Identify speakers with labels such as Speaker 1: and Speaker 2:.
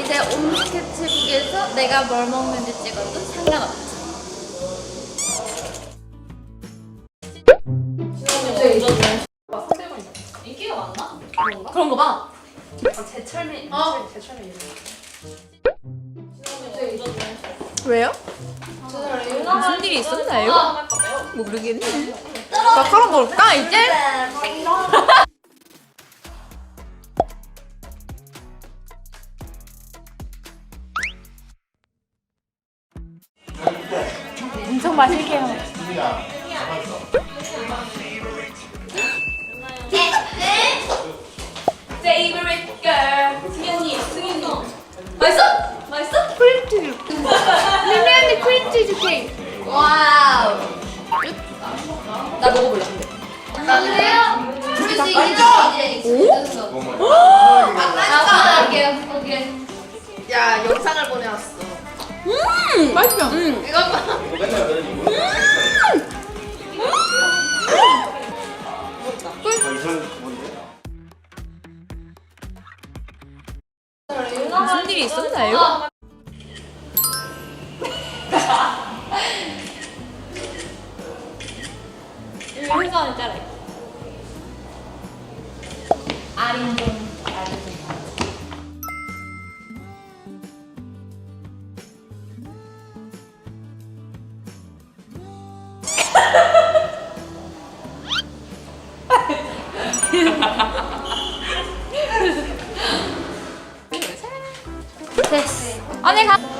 Speaker 1: 이제 온 스케치북에서 내가 뭘 먹는지 찍어도 상관없지.
Speaker 2: 인기가 많나?
Speaker 1: 그런 거 봐.
Speaker 2: 제철미 제철미
Speaker 3: 왜요?
Speaker 1: 무슨 일이 있었나요?
Speaker 3: 모르겠네. 마카롱 먹을까 이제?
Speaker 1: 엄청 마실게요.
Speaker 2: Favorite girl 승현이 승현이 맛있어? 맛있어?
Speaker 3: 크림치즈. 미미 언니 크림치즈 케이크.
Speaker 1: 와우.
Speaker 2: 나 먹어볼래.
Speaker 1: 안돼요. 그래서 이제 익숙해졌어. 아빠 할게요. 오케이.
Speaker 3: 야 영상을 보내왔어. 맛있어.
Speaker 1: 이거 봐.
Speaker 3: 무슨 일이 있었나요?
Speaker 2: 회사 안에 짜라.
Speaker 1: 아린동. 됐어. 언니 가.